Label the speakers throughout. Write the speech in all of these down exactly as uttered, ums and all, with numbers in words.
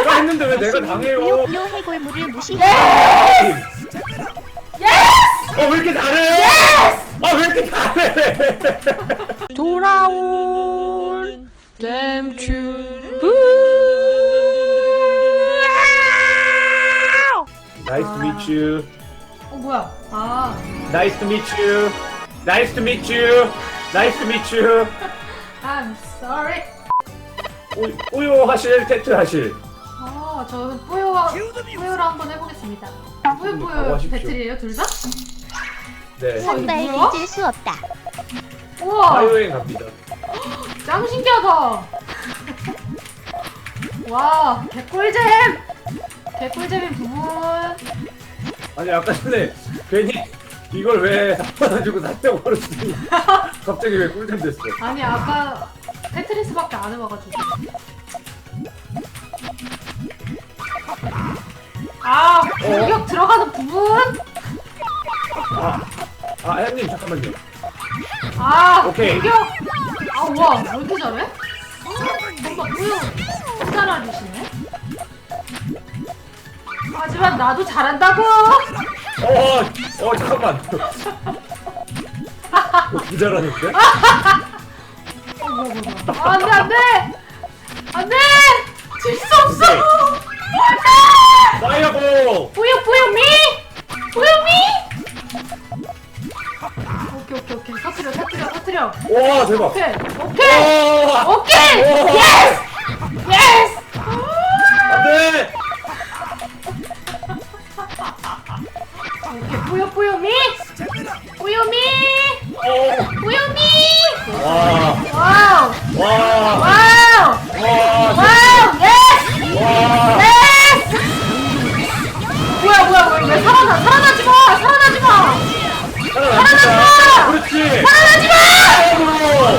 Speaker 1: 내가 했는데 왜 내가 당해요?
Speaker 2: 요 해골물을 무시해.
Speaker 1: 어, 왜 이렇게 잘해? 아, 왜 이렇게 잘해?
Speaker 3: 돌아온 댐튜브.
Speaker 1: Nice to meet you.
Speaker 4: 어 뭐야? 아,
Speaker 1: Nice to meet you. Nice to meet you. Nice to meet you.
Speaker 4: I'm sorry.
Speaker 1: 오, 오요 하실, 테트 하실.
Speaker 4: 어, 저는 뿌요와 뿌요를 한번 해보겠습니다. 뿌요
Speaker 1: 음,
Speaker 4: 뿌요
Speaker 1: 하십시오.
Speaker 4: 배틀이에요, 둘 다?
Speaker 1: 네.
Speaker 2: 선발
Speaker 4: 뭐야?
Speaker 2: 잊을 수 없다.
Speaker 4: 우와,
Speaker 1: 사유행 갑니다.
Speaker 4: 짱 신기하다. 와, 개꿀잼. 개꿀잼인 부분.
Speaker 1: 아니, 아까 전에 괜히 이걸 왜 받아주고 사탕 버렸으니 갑자기 왜 꿀잼 됐어?
Speaker 4: 아니 아까 테트리스밖에 안 해봐가지고. 아, 공격 들어가는 부분.
Speaker 1: 아, 아, 혜연님 잠깐만요.
Speaker 4: 아,
Speaker 1: 오케이.
Speaker 4: 공격. 아, 와, 왜 이렇게 잘해? 어, 뭔가 뿌요 잘 알리시네. 하지만 나도 잘한다고.
Speaker 1: 어, 어, 잠깐만. 어, 기자라는데?
Speaker 4: 어, 뭐야, 뭐야, 뭐야. 아, 안돼, 안돼, 안돼. 질 수 없어. 안돼.
Speaker 1: 파이어볼!
Speaker 4: 뿌요 뿌요 미, 뿌요 미. 오케이 오케이 오케이. 터트려 터트려 터트려.
Speaker 1: 와, 대박.
Speaker 4: 오케이 오케이
Speaker 1: 와,
Speaker 4: 오케이.
Speaker 1: 와.
Speaker 4: 예스 예스.
Speaker 1: 안 돼!
Speaker 4: 오케이 뿌요 뿌요 미, 뿌요 미,
Speaker 1: 어,
Speaker 4: 뿌요 미.
Speaker 1: 와,
Speaker 4: 와우
Speaker 1: 와,
Speaker 4: 와우
Speaker 1: 와,
Speaker 4: 와우 예스
Speaker 1: 와.
Speaker 4: 예스. 뭐야 뭐야 뭐야 왜 살아나 살아나지 마 살아나지 마
Speaker 1: 살아납니다. 그렇지.
Speaker 4: 살아나지 마.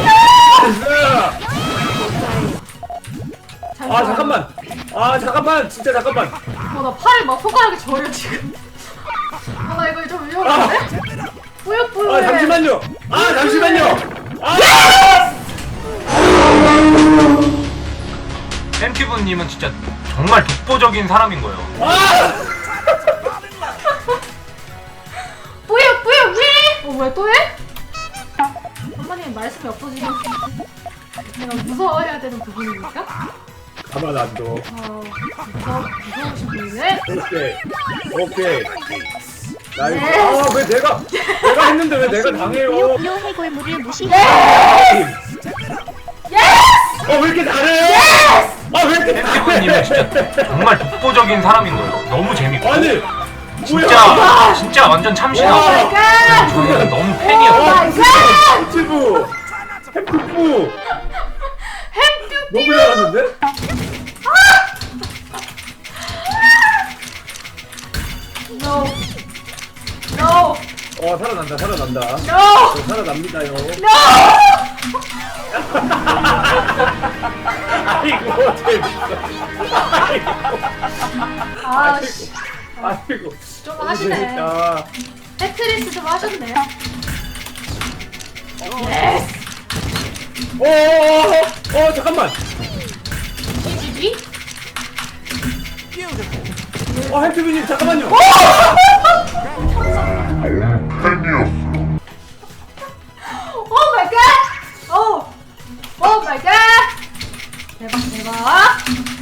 Speaker 1: 아이고. 아, 잠깐만. 아, 잠깐만. 진짜 잠깐만.
Speaker 4: 어, 나 팔을 막 손가락에 저려 지금. 어, 나 이거 좀 위험한데? 뿌요뿌요.
Speaker 1: 아, 잠시만요. 아, 잠시만요. 아,
Speaker 5: 햄튜브님은 진짜 정말 독보적인 사람인 거예요.
Speaker 1: 아!
Speaker 4: 뿌요뿌요 위. 어, 왜 또 해? 엄마님 말씀이 없어지면 내가 무서워해야 되는 부분입니까?
Speaker 1: 가만 안 둬.
Speaker 4: 어, 무서 무서우신 분이네.
Speaker 1: 오케이. 오케이. 나이스.
Speaker 4: 네.
Speaker 1: 아, 왜 내가 내가 했는데 왜 내가 당해요?
Speaker 2: 요 해골물을 무시해.
Speaker 4: 예스!
Speaker 1: 어, 왜 이렇게 잘해? 아, 왜 이렇게
Speaker 5: 햄튜브님은
Speaker 1: 잘해?
Speaker 5: 진짜 정말 독보적인 사람인 거예요. 너무 재밌고
Speaker 1: 아니,
Speaker 5: 진짜
Speaker 1: 뭐야?
Speaker 5: 진짜 완전
Speaker 1: 와.
Speaker 5: 참신하고
Speaker 4: 갓!
Speaker 5: 저는 너무
Speaker 1: 와,
Speaker 5: 팬이었어요.
Speaker 1: 햄튜브. 햄튜브.
Speaker 4: 햄튜브.
Speaker 1: 너무 잘하는데?
Speaker 4: No. No.
Speaker 1: 어, 살아난다. 살아난다.
Speaker 4: No.
Speaker 1: 저 살아납니다요.
Speaker 4: No.
Speaker 1: 아이고, 재밌어. 아이고.
Speaker 4: 아, 씨.
Speaker 1: 아이고.
Speaker 4: 좀
Speaker 1: 너무
Speaker 4: 하시네.
Speaker 1: 재밌다.
Speaker 4: 테트리스 좀 하셨네. 예스.
Speaker 1: 어, 어, 어, 잠깐만.
Speaker 4: 이지비?
Speaker 1: 어, 햄튜브님, 잠깐만요.
Speaker 4: 오 마이 갓! 오! 오 마이 갓! 대박 대박!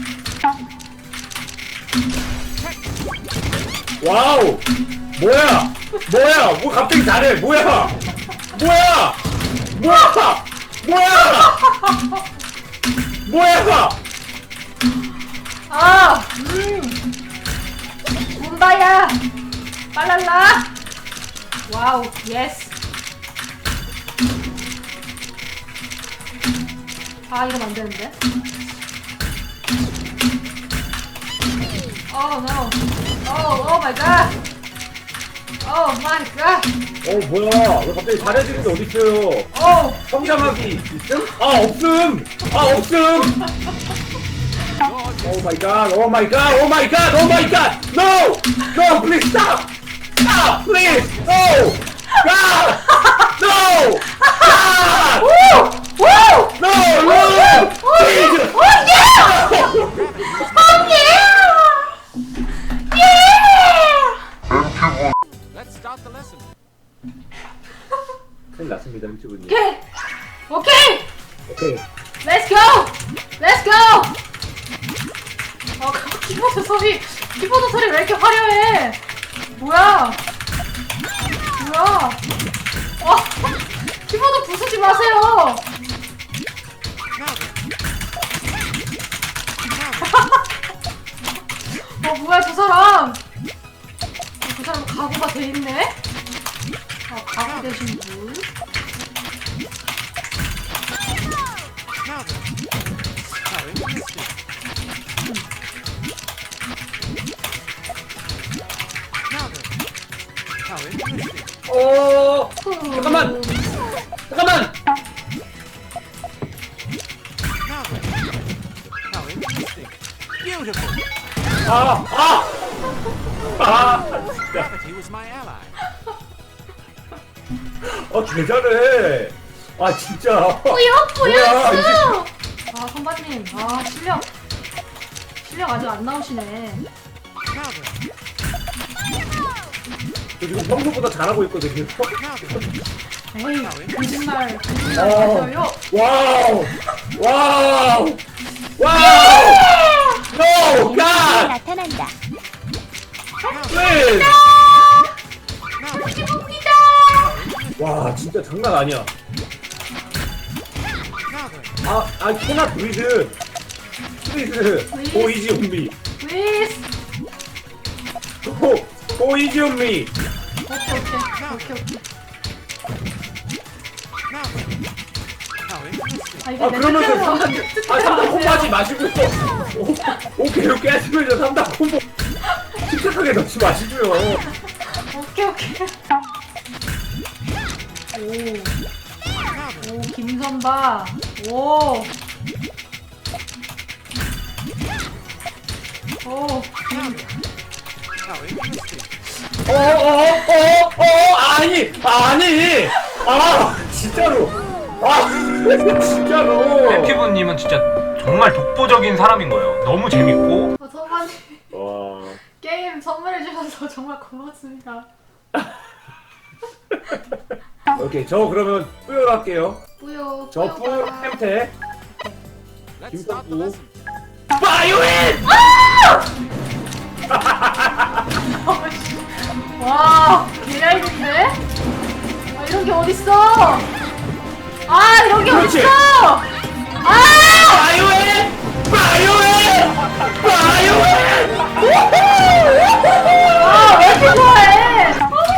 Speaker 1: 와우. 뭐야? 뭐야? 뭐 갑자기 잘해? 뭐야? 뭐야? 뭐야? 뭐야? 뭐야?
Speaker 4: 아! 음! 문바야! 빨랄라! 와우, 예스! 아, 이러면 안 되는데? 오, 노! 오, 오 마이 갓! 오 마이 갓!
Speaker 1: 어, 뭐야? 왜 갑자기 잘해지는 게 어딨어요?
Speaker 4: 오!
Speaker 1: 성장하기 있음? 아, 없음! 아, 없음! 오 마이 갓, 오 마이 갓, 오 마이 갓, 오 마이 갓! No! No, please stop! Stop, please! No! God! No! God!
Speaker 4: 오! 오!
Speaker 1: No! No! Jesus!
Speaker 4: 오, 예! 오, 예! 키보드 소리, 키보드 소리 왜 이렇게 화려해? 뭐야? 뭐야? 와, 키보드 부수지 마세요. 어 뭐야 저 사람? 어, 저 사람 각오가 돼 있네. 아 각오 되신 분.
Speaker 1: 어 잠깐만 잠깐만 아아 아, 진짜 어 개잘해 아 진짜
Speaker 4: 뿌연
Speaker 1: 뭐야,
Speaker 4: 뿌연수. 아 선배님, 아 실력 실력 아직 안 나오시네.
Speaker 1: 저 지금 평소보다 잘하고 있거든요
Speaker 4: 에이 거짓말 거짓말
Speaker 1: 어.
Speaker 4: 마셔요.
Speaker 1: 와우 와우 와우 노
Speaker 2: 에너지가
Speaker 1: 갓
Speaker 2: 나타난다.
Speaker 1: 플리즈
Speaker 4: 기쁩니다.
Speaker 1: 와 진짜 장난 아니야 아아 코나 브리즈 플리즈 고 이지 온미
Speaker 4: 위스.
Speaker 1: 고 이지 온미
Speaker 4: 오케이 오케이 오케이 오케이. 아 이거
Speaker 1: 아
Speaker 4: 내
Speaker 1: 그러면서
Speaker 4: 뜻대로
Speaker 1: 삼단
Speaker 4: 뜻대로
Speaker 1: 아 삼단
Speaker 4: 안
Speaker 1: 콤보
Speaker 4: 돼요.
Speaker 1: 하지 마시고 오, 오케이 오케이 하시면서 삼단 콤보 침착하게 넣지 마시고요
Speaker 4: 오케이 오케이. 오. 오 김선바. 오. 오. 김.
Speaker 1: 어어어어어 아니 아니 아 진짜로 아 진짜로
Speaker 5: 엠피브님은 진짜 정말 독보적인 사람인 거예요. 너무 재밌고
Speaker 4: 어, 선반님
Speaker 1: 와
Speaker 4: 게임 선물해 주셔서 정말 고맙습니다.
Speaker 1: 오케이 저 그러면 뿌요로 할게요
Speaker 4: 뿌요.
Speaker 1: 저 뿌요
Speaker 4: 뿌요가.
Speaker 1: 햄태 김떡구 파이오인
Speaker 4: 와, 개얇은데? 아, 이런 게 어딨어? 아, 이런 게
Speaker 1: 그렇지.
Speaker 4: 어딨어? 아!
Speaker 1: 파이오인 파이오인 파이오인
Speaker 4: 아, 왜 이렇게 좋아해?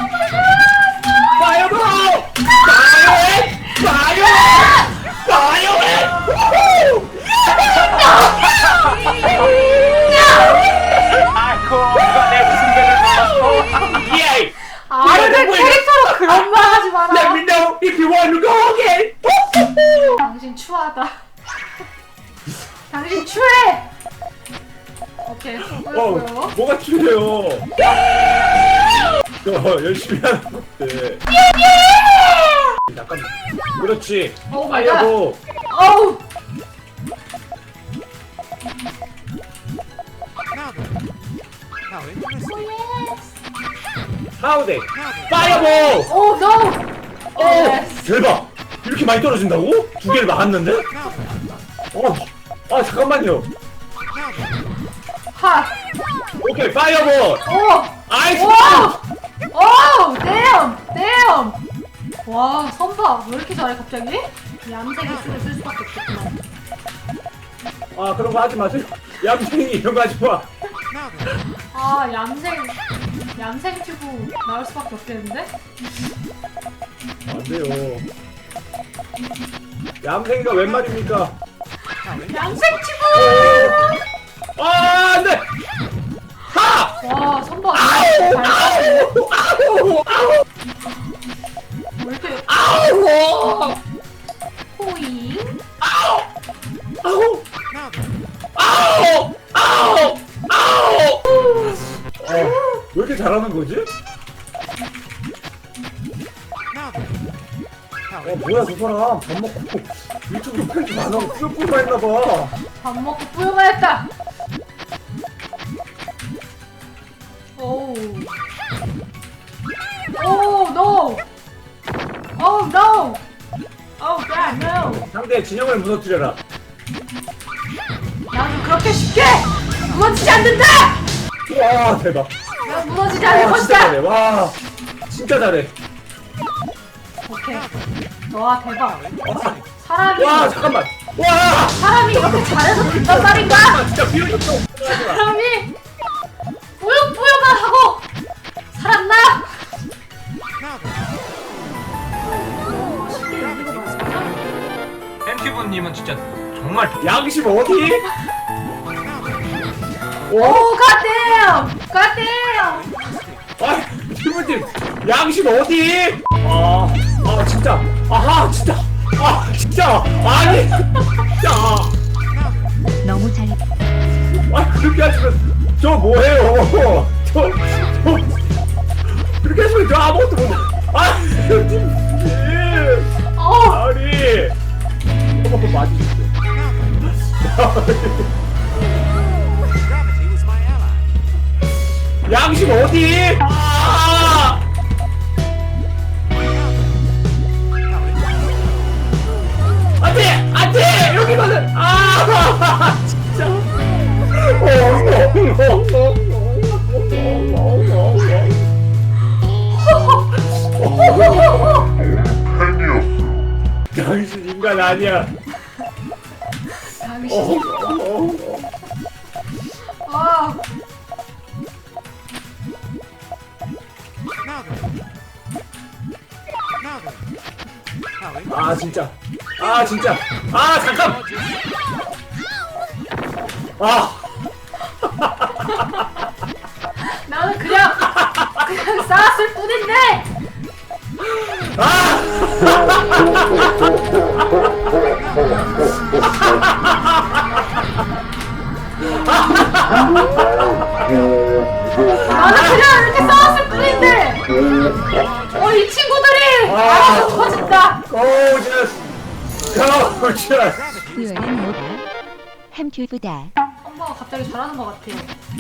Speaker 1: 파이어볼 파이오인 파이오인 파이오인 아이고 누가 내 승배를 예
Speaker 4: 아, 내 캐릭터로 그런 말 하지
Speaker 1: Let
Speaker 4: 마라.
Speaker 1: me know if you want to go again.
Speaker 4: 당신 추하다. 당신 추해! 오케이,
Speaker 1: 어,
Speaker 4: 뿌요뿌요.
Speaker 1: 뭐가 추해요? 저 열심히 하는 것들. 잠깐만. 그렇지.
Speaker 4: 오 마이 갓.
Speaker 1: 파이어볼.
Speaker 4: 어우!
Speaker 1: 하우데. 파이어볼.
Speaker 4: 오, 노!
Speaker 1: 오,
Speaker 4: Yes.
Speaker 1: 대박. 이렇게 많이 떨어진다고? 두 개를 막았는데? 어, 아 잠깐만요.
Speaker 4: 하!
Speaker 1: 오케이, 파이어볼.
Speaker 4: 오!
Speaker 1: 아이스.
Speaker 4: 오! 오! 댐! 댐! 와, 선바 왜 이렇게 잘해 갑자기? 얌생이 쓰를 쓸 수밖에 없겠구나.
Speaker 1: 아 그런 거 하지 마세요. 얌생이 이런 거 하지 마.
Speaker 4: 아, 얌생 얌생 튜브 나올 수밖에 없겠는데?
Speaker 1: 안 돼요. 얌생이가 웬 말입니까?
Speaker 4: 얌생 튜브!
Speaker 1: 아, 안 돼! 하!
Speaker 4: 와, 선바
Speaker 1: 아우!
Speaker 4: 잘 따네.
Speaker 1: 아우! 아우! 아우!
Speaker 4: 왜 이렇게
Speaker 1: 아우!
Speaker 4: 호잉?
Speaker 1: 아우! 아우! 아우! 아우! 아우! 어, 왜 이렇게 잘하는 거지? 어, 뭐야, 저 사람. 밥 먹고 유튜브 편집 안 하고 뿌요뿌요만 했나봐.
Speaker 4: 밥 먹고 뿌요가 했다! 오우. 오, 노! 오, 노! 오, God, no!
Speaker 1: 상대의 진영을 무너뜨려라.
Speaker 4: 나도 그렇게 쉽게 무너지지 않는다!
Speaker 1: 와 대박.
Speaker 4: 내가 무너지지 않을
Speaker 1: 와 진짜
Speaker 4: 것이다!
Speaker 1: 잘해. 와 진짜 잘해.
Speaker 4: 오케이. 와, 대박.
Speaker 1: 와,
Speaker 4: 사람이,
Speaker 1: 와 잠깐만. 와.
Speaker 4: 사람이 이렇게 잘해서 된단 말인가?
Speaker 1: 아, 진짜 비효율적.
Speaker 4: 사람이 뿌요뿌요가 하고 살았나?
Speaker 5: 햄티브님은 진짜 정말 독-
Speaker 1: 양심 어디?
Speaker 4: 오,
Speaker 1: 어?
Speaker 4: 갓댐! 갓댐!
Speaker 1: 아, 팀원님 양심 어디? 아, 아 진짜, 아하 진짜, 아 진짜, 아니, 진짜,
Speaker 2: 너무 잘
Speaker 1: 아 그렇게 하시면 저 뭐해요? 저, 저 그렇게 하시면 저 아무것도 못. 아, 팀님,
Speaker 4: 어,
Speaker 1: 아니, 한번 맞으셨어요. 양심 어디? 아! 안돼! 안돼! 여기만은! 아! 진짜! 어, 어, 어, 어, 어. 당신 인간 아니야.
Speaker 4: 당신.
Speaker 1: 어, 어, 어.
Speaker 4: 아,
Speaker 1: 아 진짜. 아 진짜. 아 잠깐. 아.
Speaker 4: 나는 그냥 그냥 쌓았을 뿐인데. 나는 그냥 이렇게 쌓았을 뿐인데. 어, 이 친구들이 알아서 터진다.
Speaker 1: 고저스. 고저스.
Speaker 2: 후회는 뭐다 햄튜브다
Speaker 4: 엄마가 갑자기 잘하는 것 같아요.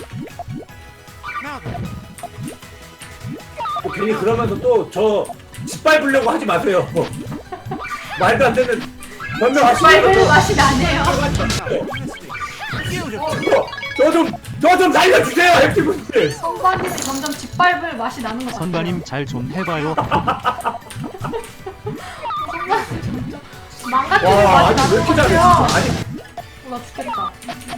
Speaker 1: 뭐 괜히 그러면서 또 저 짓밟으려고 하지 마세요. 말도 안 되는 변명하시는
Speaker 4: 빨간 맛이 나네요.
Speaker 1: 저좀 저 좀 살려주세요, 햄티분들.
Speaker 4: 선반님이 점점 짓밟을 맛이 나는 것 같아요.
Speaker 6: 선반님 잘 좀 해봐요.
Speaker 4: 선반님 점점 망가뜨리는
Speaker 1: 와,
Speaker 4: 맛이
Speaker 1: 아니 왜
Speaker 4: 나는
Speaker 1: 이렇게
Speaker 4: 것
Speaker 1: 잘해?
Speaker 4: 같아요.
Speaker 1: 진짜. 아니,
Speaker 4: 어, 나 죽겠다.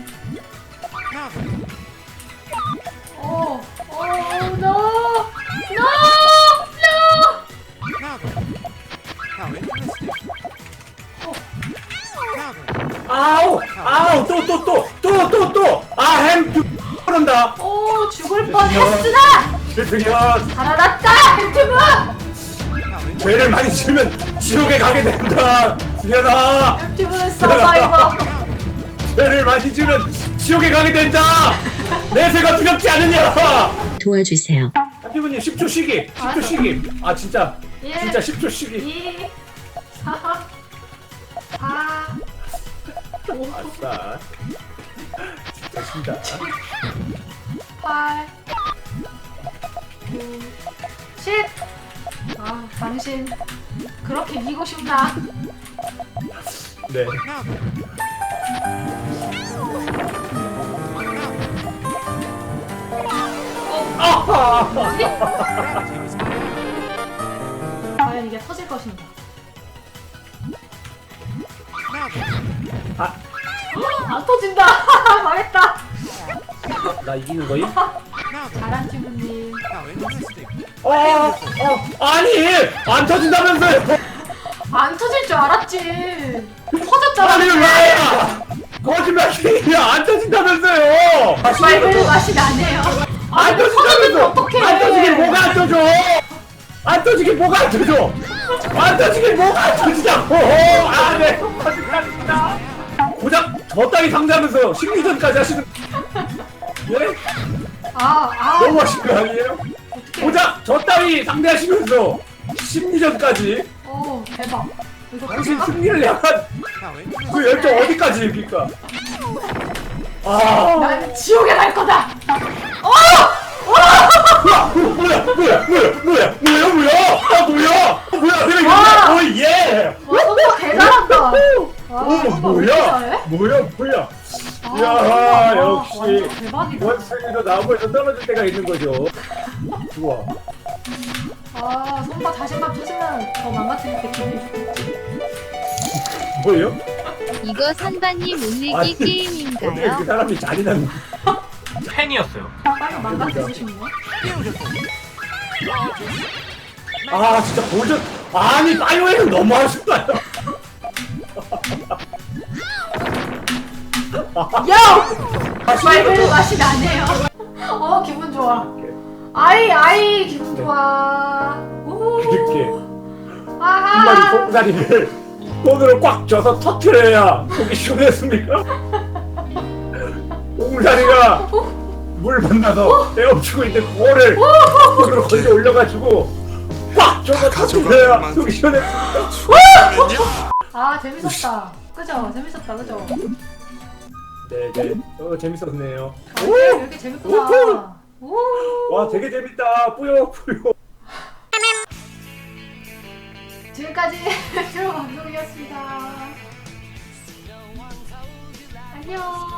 Speaker 4: 오, 오, no, no, no.
Speaker 1: 아우, 아우, 또, 또, 또, 또, 또, 또. 아, 햄, 그런다.
Speaker 4: 오, 죽을 뻔했으나
Speaker 1: 드디어
Speaker 4: 살아났다, 햄튜브.
Speaker 1: 죄를 많이 지으면 지옥에 가게 된다. 미안하.
Speaker 4: 햄튜브는 서바이버.
Speaker 1: 죄를 많이 지으면 지옥에 가게 된다. 내세가 두렵지 않느냐.
Speaker 2: 도와주세요
Speaker 1: 햄티브님 십 초 쉬기. 십 초 쉬기. 아, 진짜.
Speaker 4: 예.
Speaker 1: 진짜 십 초 쉬기.
Speaker 4: 이, 사, 사, 오,
Speaker 1: 아싸. 진짜 신다.
Speaker 4: 팔, 구, 십. 아, 당신 그렇게 이기고 싶나?
Speaker 1: 네. 아하.
Speaker 4: 과연 이게 터질 것인가?
Speaker 1: 아,
Speaker 4: 안 터진다. 망했다.
Speaker 1: 나 이기는 거임?
Speaker 4: 잘한 친구님.
Speaker 1: 어, 어, 아니, 안 터진다면서요?
Speaker 4: 안 터질 줄 알았지. 터졌잖아.
Speaker 1: 아니, 왜? 거짓말이야, 안 터진다면서요?
Speaker 4: 빨간 맛이 나네요.
Speaker 1: 안
Speaker 4: 아니, 터졌는데
Speaker 1: 터진다면서?
Speaker 4: 어떡해.
Speaker 1: 안 터지긴 뭐가 안 터져? 안 터지긴 뭐가 안 터져? 안 터지긴 뭐가 안 터지냐고! 아, 네, 터진다니까. 고작 저 따위 상대하면서 심리전까지 하시는. 예?
Speaker 4: 아, 아.
Speaker 1: 너무하신 거 아니에요?
Speaker 4: 어떡해.
Speaker 1: 고작 저 따위 상대하시면서 심리전까지.
Speaker 4: 오, 대박. 이거
Speaker 1: 당신
Speaker 4: 터질까?
Speaker 1: 승리를 향한 그 열정 어디까지입니까? 아,
Speaker 4: 난 지옥에 갈 거다. 어!
Speaker 1: 뭐야, 뭐야, 뭐야, 뭐야, 뭐야, 뭐야, 뭐야, 아, 뭐야, 뭐야, 내가
Speaker 4: 와.
Speaker 1: 이거, 어, 예.
Speaker 4: 와, 선바 개잘한다.
Speaker 1: 오,
Speaker 4: 와, 선바 왜 이렇게
Speaker 1: 뭐야,
Speaker 4: 잘해?
Speaker 1: 뭐야, 뭐야.
Speaker 4: 아,
Speaker 1: 야,
Speaker 4: 선바,
Speaker 1: 역시. 가끔씩
Speaker 4: 대박이다.
Speaker 1: 원숭이도 나무에서 떨어질 때가 있는 거죠. 좋아.
Speaker 4: 아 손바 자신감 찾으면 더 망가뜨릴 때 기분이 좋겠지.
Speaker 1: 뭐예요?
Speaker 2: 이거 선반님 올리기
Speaker 1: 아니, 어떻게
Speaker 2: 게임인가요?
Speaker 1: 그 사람이 잔인한
Speaker 5: 팬이었어요.
Speaker 4: 빨리 망가뜨리시네.
Speaker 1: 아 진짜 보전 아니 파이어에는 너무 하신다.
Speaker 4: 야! 말별 맛이 나네요. 어 기분 좋아. 아이 아이 기분 좋아. 오.
Speaker 1: 이렇게 한 마리
Speaker 4: 아하.
Speaker 1: 똥다리를 손으로 꽉 쥐어서 터트려야 속이 시원했습니까? 똥다리가 물 만나서 헤엄치고 있는 그거를 손으로 걸려 올려가지고 꽉 쥐어서 터트려야 속이 시원했습니까?
Speaker 4: 아 재밌었다. 그죠? 재밌었다. 그죠?
Speaker 1: 네네 어 재밌었네요.
Speaker 4: 아, 이게 이렇게 재밌구나. 오.
Speaker 1: 와 되게 재밌다. 뿌요 뿌요.
Speaker 4: 지금까지 트로 방송이었습니다. 안녕.